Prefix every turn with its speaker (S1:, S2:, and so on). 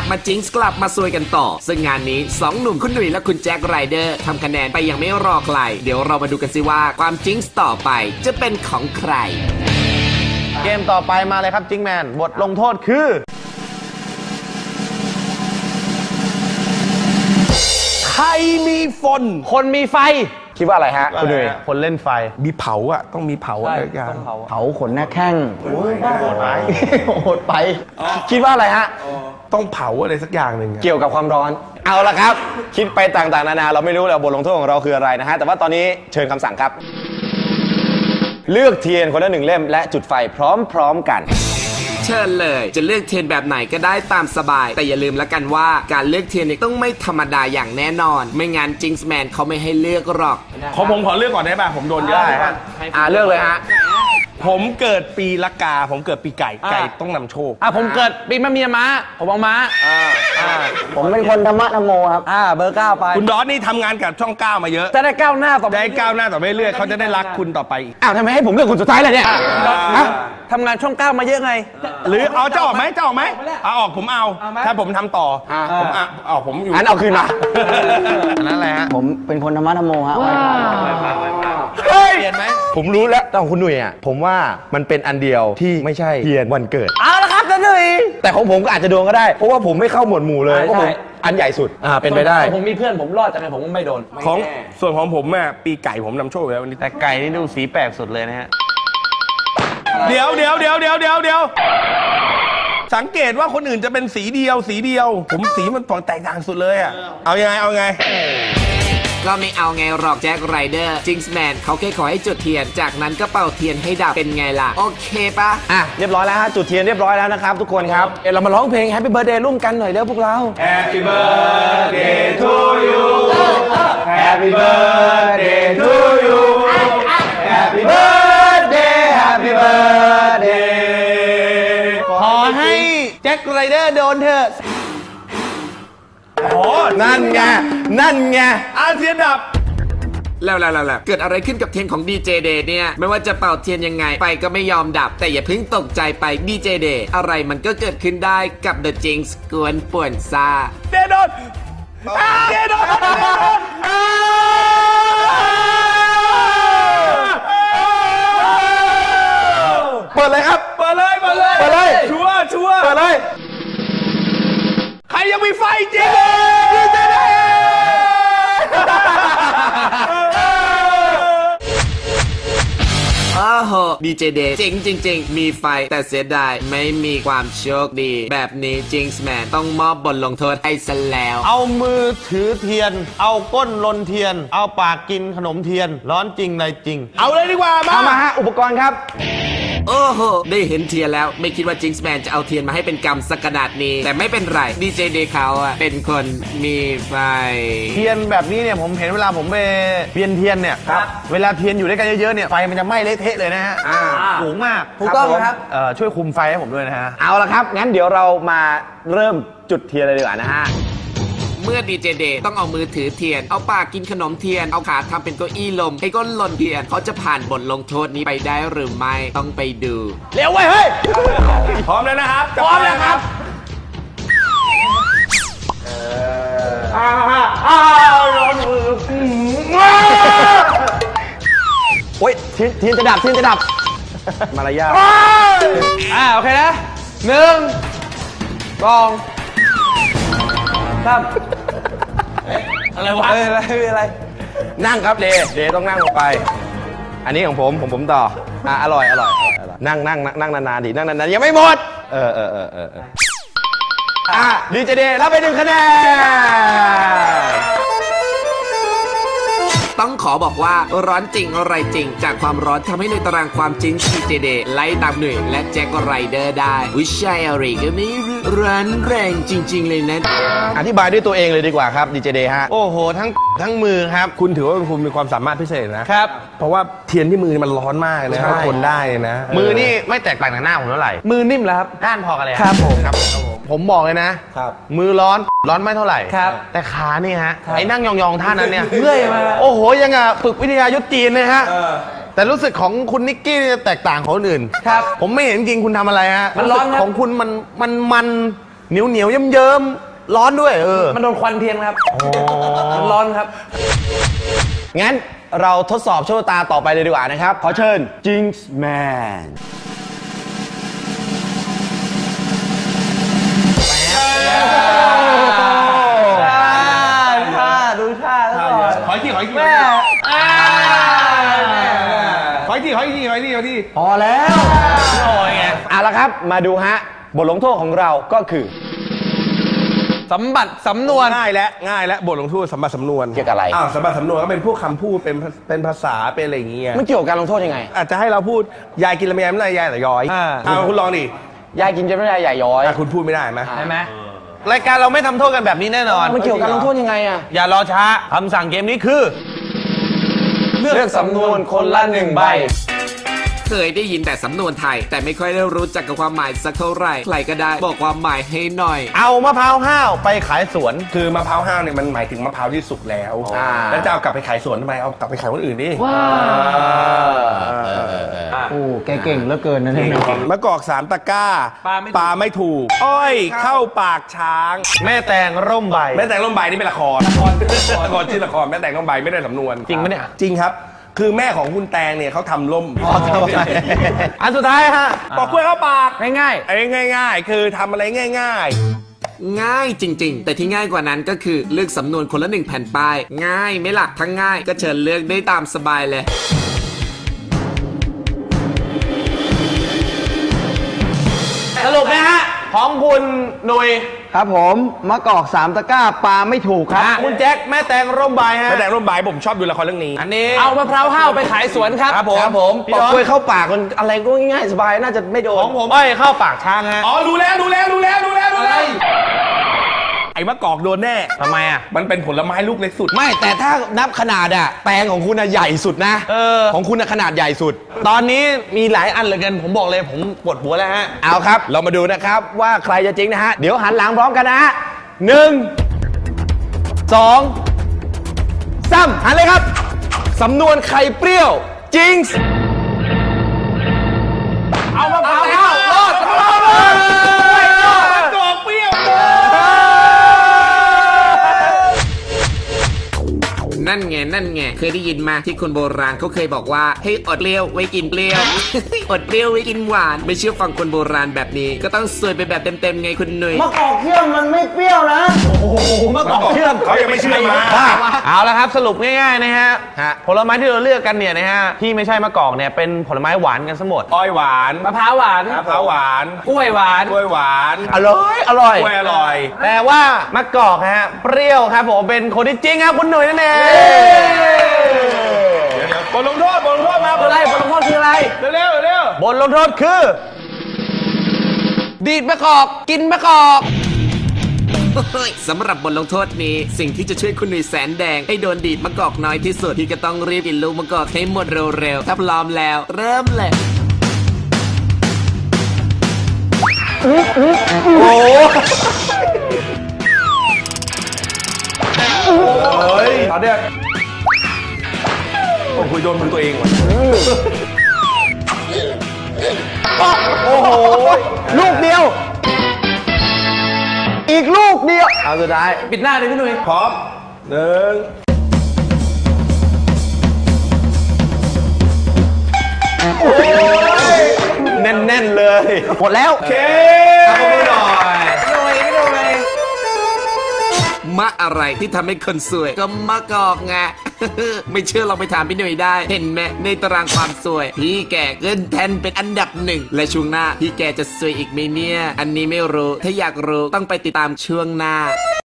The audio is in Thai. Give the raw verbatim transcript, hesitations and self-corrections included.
S1: มาจิงส์กลับมาซวยกันต่อซึ่งงานนี้สองหนุ่มคุณหนุ่ยและคุณแจ็คไรเดอร์ทำคะแนนไปยังไม่รอใครเดี๋ยวเรามาดูกันสิว่าความจิงส์ต่อไปจะเป็นของใคร
S2: เกมต่อไปมาเลยครับจิงแมนบทลงโทษคือใครมีฝนคนมีไฟคิดว่าอะไรฮะคุณหนุ่ยคนเล่นไฟ
S3: มีเผาอ่ะต้องมีเผาอะไรอย่าง
S2: เผาขนหน้าแข้งโหดไปโหดไปคิดว่าอะไรฮะ
S3: ต้องเผาอะไรสักอย่างหนึ่ง
S2: เกี่ยวกับความร้อนเอาละครับคิดไปต่างๆนานาเราไม่รู้แล้วบทลงโทษของเราคืออะไรนะฮะแต่ว่าตอนนี้เชิญคำสั่งครับเลือกเทียนคนละหนึ่งเล่มและจุดไฟพร้อมๆกัน
S1: เชิญเลยจะเลือกเทียนแบบไหนก็ได้ตามสบายแต่อย่าลืมแล้วกันว่าการเลือกเทียนเนี่ยต้องไม่ธรรมดาอย่างแน่นอนไม่งั้นจิงส์แมนเขาไม่ให้เลือกหรอก
S3: ขอผมขอเลือกก่อนได้ป่ะผมโดนเยอะ
S2: ได้ฮะอ่าเลือกเลยฮะ
S3: ผมเกิดปีละกาผมเกิดปีไก่ไก่ต้องนำโชค
S2: อ่าผมเกิดปีมะเมียม้าผมเอาม้าอ่าอ่าผมเป็นคนธรรมะธรรมโมครับอ่าเบอร์เก้าไป
S3: คุณดอสนี่ทำงานกับช่องเก้ามาเยอะ
S2: จะได้ก้าวหน้าต่อ
S3: ได้ก้าวหน้าต่อไปเรื่อยเขาจะได้รักคุณต่อไปอีก
S2: อ้าวทำไมให้ผมเลือกคนสุดท้ายเลยเนี่ยทำงานช่องเก้ามาเยอะไง
S3: หรือเอาจะออกไหมจะออกไหมเอาออกผมเอาถ้าผมทำต่อผมเอาออกผมอยู่
S2: อันเอาคืนมา
S3: อันนั้นอะไรฮะ
S2: ผมเป็นคนธรรมะธรรมโมฮะเปลี่ยนไหมผมรู้แล้วแต่คุณหนุ่ยอ่ะผมว่ามันเป็นอันเดียวที่ไม่ใช่เทียนวันเกิดเอาละครับหนุ่ยแต่ของผมก็อาจจะโดนก็ได้เพราะว่าผมไม่เข้าหมวดหมู่เลยเพราะผมอันใหญ่สุดอ่าเป็นไปได้ผมมีเพื่อนผมรอดจากไงผมก็ไม่โดน
S3: ของส่วนของผมอ่ะปีไก่ผมนำโชคแล้ววันนี้
S2: แต่ไก่นี่ดูสีแปลกสุดเลยนะฮะ
S3: เดี๋ยวเดี๋ยวเดี๋ยวเดี๋ยวเดี๋ยวเดี๋ยวสังเกตว่าคนอื่นจะเป็นสีเดียวสีเดียวผมสีมันแตกต่างสุดเลยอ่ะเอายังไงเอาไง
S1: ก็ไม่เอาไงหรอกแจ็คไรเดอร์จิงส์แมนเขาแค่ขอให้จุดเทียนจากนั้นก็เป่าเทียนให้ดับเป็นไงล่ะโอเคปะ
S2: อ่ะเรียบร้อยแล้วฮะจุดเทียนเรียบร้อยแล้วนะครับทุกคนครับเดี๋ยวเรามาร้องเพลง Happy Birthday ร่วมกันหน่อยเร็วพวกเรา
S4: Happy Birthday to you Happy Birthday to you Happy Birthday Happy Birthday
S2: ขอให้แจ็คไรเดอร์โดนเถอะโอ้นั่นไงนั่นไง
S3: อาเทียนดับ
S1: แล้วแล้วแล้วเกิดอะไรขึ้นกับเทียนของดีเจเดย์เนี่ยไม่ว่าจะเป่าเทียนยังไงไปก็ไม่ยอมดับแต่อย่าเพิ่งตกใจไปดีเจเดย์อะไรมันก็เกิดขึ้นได้กับ The Jinx กวนป่วนซา
S3: เดโดนเดโดน
S2: เปิดเลยครับ
S3: เปิดเลยเปิดเลย
S2: เปิดเลย
S3: ชัวร์ชัวร์
S2: เปิดเลย
S3: ใครยังมีไฟจริงดีเจเดย์
S1: โอ้โหดีเจเดย์จริงจริงๆมีไฟแต่เสียดายไม่มีความโชคดีแบบนี้จิงส์แมนต้องมอบบทลงโทษให้ซะแล้ว
S2: เอามือถือเทียนเอาก้นลนเทียนเอาปากกินขนมเทียนร้อนจริงอะไรจริง
S3: เอาเลยดีกว่ามา
S2: เอามาฮะอุปกรณ์ครับ
S1: โอ้โหได้เห็นเทียนแล้วไม่คิดว่าจิงส์แมนจะเอาเทียนมาให้เป็นกรรมสักขนาดนี้แต่ไม่เป็นไรดีเจเดย์เขาอะเป็นคนมีไฟ
S2: เทียนแบบนี้เนี่ยผมเห็นเวลาผมไปเวียนเทียนเนี่ยเวลาเทียนอยู่ด้วยกันเยอะๆเนี่ยไฟมันจะไหม้เละเทะเลยนะฮะสูงมากถูกต้องครับช่วยคุมไฟให้ผมด้วยนะฮะเอาละครับงั้นเดี๋ยวเรามาเริ่มจุดเทียนเลยดีกว่านะฮะ
S1: เมื่อดีเจเดย์ต้องเอามือถือเทียนเอาปากกินขนมเทียนเอาขาทำเป็นเก้าอี้ลมให้ก้นลนเทียนเขาจะผ่านบทลงโทษนี้ไปได้หรือไม่ต้องไปดู
S2: เร็วไว้เฮ้ย
S3: พร้อมแล้วนะครับ
S2: พร้อมแล้วครับอ้าวอ้าวโอ้ยเทียนเทียนจะดับเทียนจะดับมารยาทอ่าโอเคนะหนึ่งสองครับอะไรวะอะไรอะไรนั่งครับเดเดต้องนั่งลงไปอันนี้ของผมผมผมต่ออ่ะอร่อยอร่อยนั่งนั่งนั่งนานๆดินั่งนานๆยังไม่หมดเออเออเออเอออ่ะดีเจเดรับไปหนึ่งคะแนน
S1: ต้องขอบอกว่าร้อนจริงอะไรจริงจากความร้อนทำให้ในตารางความจริงดีเจเดย์ไล่ตามหน่วยและแจ็คไรเดอร์ได้วิชัยอะไรก็ไม่รู้ร้อนแรงจริงๆเลยนะ
S2: อธิบายด้วยตัวเองเลยดีกว่าครับดีเจเดย์ฮะโอ้โหทั้งทั้งมือครับ
S3: คุณถือว่าคุณมีความสามารถพิเศษนะครับเพราะว่าเทียนที่มือมันร้อนมากเลยนะทนได้นะ
S2: มือนี่ไม่แตกต่างจากหน้าผมเท่าไหร่มือนิ่มแล้วครับด้านพอกันเลยครับผมครับผมบอกเลยนะครับมือร้อนร้อนไม่เท่าไหร่ครับแต่ขานี่ฮะไอ้นั่งยองๆท่านั้นเนี่ยเมื่อยมาโอ้โหยังอ่ะฝึกวิทยายุทธจีนเลยฮะแต่รู้สึกของคุณนิกกี้จะแตกต่างของคนอื่นครับผมไม่เห็นจริงคุณทำอะไรฮะมันร้อนของคุณมันมันมันเหนียวเหนียวเยิ้มเยิ้มร้อนด้วยเออ
S5: มันโดนควันเทียนครับมันร้อนครับ
S2: งั้นเราทดสอบโชคชะตาต่อไปเลยดีกว่านะครับ ขอเชิญ Jinx Man
S5: ดูท่าแล้ว
S3: ขออีกทีขออีกทีขออีกทีขออีกทีขออีกทีขออีกที
S5: พอแล้วโอ้ยไง
S2: เอาละครับมาดูฮะบทลงโทษของเราก็คือ
S5: สมบัติสำนวน
S3: ง่ายและง่ายและบทลงโทษสัมบัติสำนวน
S2: เกี่ยวกับอะไร
S3: อ้าวสัมบัติสำนวนก็เป็นพวกคำพูดเป็นเป็นภาษาเป็นอะไรอย่างเงี้ย
S2: มันเกี่ยวกับการลงโทษยังไง
S3: อาจจะให้เราพูดยายกินลำไยไม่ได้ยายแต่ย้อย
S5: อ่า
S3: อ้าวคุณลองดิ
S2: ยายกินจะไม่ได้ใหญ่ย้อย
S3: อ่ะคุณพูดไม่ได้ไหม
S5: ใช่ไหมรายการเราไม่ทำโทษกันแบบนี้แน่นอน
S2: มันเกี่ยวกับการลงโทษยังไงอะ
S5: อย่ารอช้าคำสั่งเกมนี้คือ
S2: เลือกสำนวนคนละหนึ่งใบ
S1: เคยได้ยินแต่สำนวนไทย แต่ไม่ค่อยได้รู้จักกับความหมายสักเท่าไหร่ใครก็ได้บอกความหมายให้หน่อย
S5: เอามะพร้าวห้าวไปขายสวน
S3: คือมะพร้าวห้าวเนี่ยมันหมายถึงมะพร้าวที่สุกแล้ว
S2: อ่า
S3: แล้วจะเอากลับไปขายสวนทำไมเอากลับไปขายคนอื่นดิ
S5: โอ้แกเก่งเหลือเกินนะเนี่ย
S3: มะกอกสามตะกร้า
S5: ปลาไม่ถูก
S3: ปลาไม่ถูก อ้อยเข้าปากช้าง
S5: แม่แตงร่มใบ
S3: แม่แต่งร่มใบนี่เป็นละครละครละครชื่อละครแม่แต่งร่มใบไม่ได้สำนวน
S5: จริงปะเนี่ย
S3: จริงครับ คือแม่ของคุณแตงเนี่ยเขาทำร่ม
S5: อันสุดท้ายฮะ
S3: ปอกกล้วยเข้าปาก
S5: ง่าย
S3: ไอ้ง่าย ๆ คือทำอะไรง่าย
S1: ง่ายจริง ๆ แต่ที่ง่ายกว่านั้นก็คือเลือกสำนวนคนละหนึ่งแผ่นป้าย ง่ายไหม่หลักทั้งง่ายก็เชิญเลือกได้ตามสบายเลย
S5: ๆ สรุปนะฮะ ของคุณหนุย
S2: ครับผมมะกอกสามตะกร้าปลาไม่ถูกครับ
S5: คุณแจ็คแม่แตงร่มใบ
S3: ๆ
S5: ฮะ
S3: แม่แต่งร่มใบผมชอบดูละครเรื่องนี้
S5: อันนี้เอามะพร้าวห้าวไปขายสวนครับ
S2: ครับผม
S5: ครับผม
S2: ปอกกล้วยเข้าปากมันอะไรก็ง่ายๆสบายน่าจะไม่โดน
S5: ของผมอ้อยเข้าปากช้างฮะ
S3: อ๋อรู้แล้วรู้แล้วรู้แล้วรู้แล้วรู้แล้วไอ้มะกอกโดนแน่
S5: ทำไมอ่ะ
S3: มันเป็นผลไม้ลูกเล็กสุด
S2: ไม่แต่ถ้านับขนาดอะแตงของคุณอะใหญ่สุดนะ
S5: เออ
S2: ของคุณอะขนาดใหญ่สุด
S5: ตอนนี้มีหลายอันเหลือเกินผมบอกเลยผมปวดหัวแล้วฮะ
S2: เอาครับ เรามาดูนะครับว่าใครจะจริงนะฮะ เดี๋ยวหันหลังพร้อมกันนะฮะหนึ่งสองสามหันเลยครับ สำนวนไข่เปรี้ยวจริง
S5: เอามะพร้าวห้าวรอดรอดรอด
S3: มะกอกเปรี้ยว
S1: นั่นไงนั่นไงเคยได้ยินมาที่คนโบราณเขาเคยบอกว่าให้อดเปรี้ยวไว้กินเปรี้ยว อดเปรี้ยวไว้กินหวาน ไม่เชื่อฟังคนโบราณแบบนี้ ก็ต้องสวยไปแบบเต็มๆไงคุณหนุ่ย
S5: มะกอกเชื่อมมันไม่เปรี้ยวนะโอ้โหมะกอกเชื่อม
S3: เขายังไม่เชื่อมา
S5: เอาละครับสรุปง่ายๆนะฮะ
S2: ฮะ
S5: ผลไม้ที่เราเลือกกันเนี่ยนะฮะที่ไม่ใช่มะกอกเนี่ยเป็นผลไม้หวานกันซะหมด
S3: อ้อยหวาน
S5: มะพร้าวหวาน
S3: มะพร้าวหวาน
S5: กล้วยหวาน
S3: กล้วยหวาน
S2: อร่อยอร่อย
S3: กล้วยอร่อย
S5: แต่ว่ามะกอกฮะเปรี้ยวครับผมเป็นคนที่จริงครับคุณหนุ่ยนั่นเอง
S3: บทลงโทษบทลงโทษมา
S5: อะไรบทลงโทษคืออะไร
S3: เร็วเร็วเร็ว
S5: บทลงโทษคือ ดีดมะกอกกินมะกอก
S1: สำหรับบทลงโทษนี้สิ่งที่จะช่วยคุณหนุ่ยแสนแดงให้โดนดีดมะกอกน้อยที่สุดที่ก็ต้องรีบกินลูกมะกอกให้หมดเร็วๆถ้าพร้อมแล้วเริ่มเลย
S3: เฮ้ยตอนเนี้ยโอ้โหโดนมือตัวเองว่ะ
S2: โอ้โห ลูกเดียว อีกลูกเดียว เอาสุดท้าย
S5: ปิดหน้าเลยพี่หนุ่ย
S3: พร้อมหนึ่ง
S2: แน่นๆเลย หมดแล้ว
S3: โอเค
S2: เอามือหน่อย
S1: มะอะไรที่ทำให้คนสวยก็มะกอกไง ไม่เชื่อลองไปถามพี่หนุ่ยได้ เห็นไหมในตารางความสวย พี่แกขึ้นแทนเป็นอันดับหนึ่งและช่วงหน้าพี่แกจะสวยอีกไหมเนี่ย อันนี้ไม่รู้ถ้าอยากรู้ต้องไปติดตามช่วงหน้า